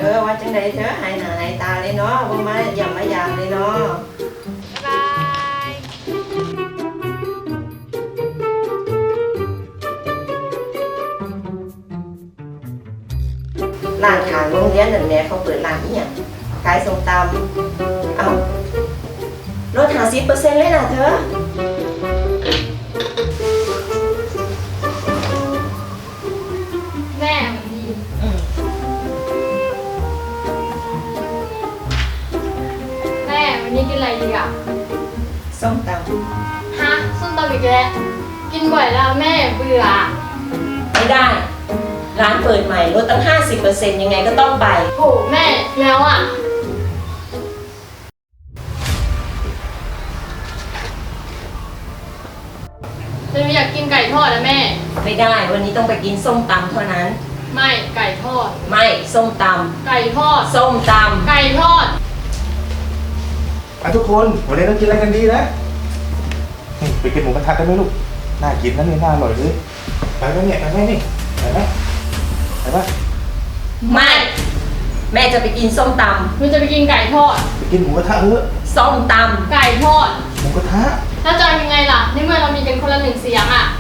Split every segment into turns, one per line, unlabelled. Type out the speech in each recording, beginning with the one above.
ว่าจังใดเธอหายหน้าหายตาเลยเนาะว่ามาอย่ามายามเลยเนาะ
บ๊ายบาย
ร้านขางโรงเรียนนั่นแหละเขาเปิดร้านนี่อย่างขายส้มตำเอาลด50%เลยนะเธอ
แม่มันดีแม่วันนี้กินอะไรดีอ่ะ
ส้มต
ฮะส้มตำอีกแล้วกินบ่อยแล้วแม่เบื่อ
ำไม่ได้ ร้านเปิดใหม่ลดตั้ง 50%ยังไงก็ต้องไป
โหแม่แล้วอ่ะจะอยากกินไก่ทอดนะแม่
ไม่ได้วันนี้ต้องไปกินส้มตำเท่านั้น
ไม่ไก่ทอด
ไม่ส้มต
ำไก่ทอด
ส้มตำ
ไก่ทอด
ทุกคนวันนี้ต้องกินอะไรกันดีนะไปกินหมูกระทะกันไหมลูกน่ากินนะเนี่ยน่าอร่อยเลยไปไหมเนี่ยไปไหมนี่ไปไหมไปไหม
ไม่แม่จะไปกินส้มต
ำมันจะไปกินไก่ทอด
ไปกินหมูกระทะเถอะ
ส้มตำ
ไก่ทอด
หมูกระทะ
แล้วจะยังไงล่ะในเมื่อเรามีกันคนละ1 เสียงอ่ะ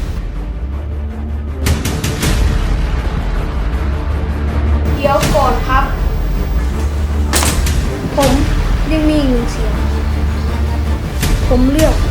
เดี๋ยวก่อนครับ ผมยังมี1 เสียงผมเลือก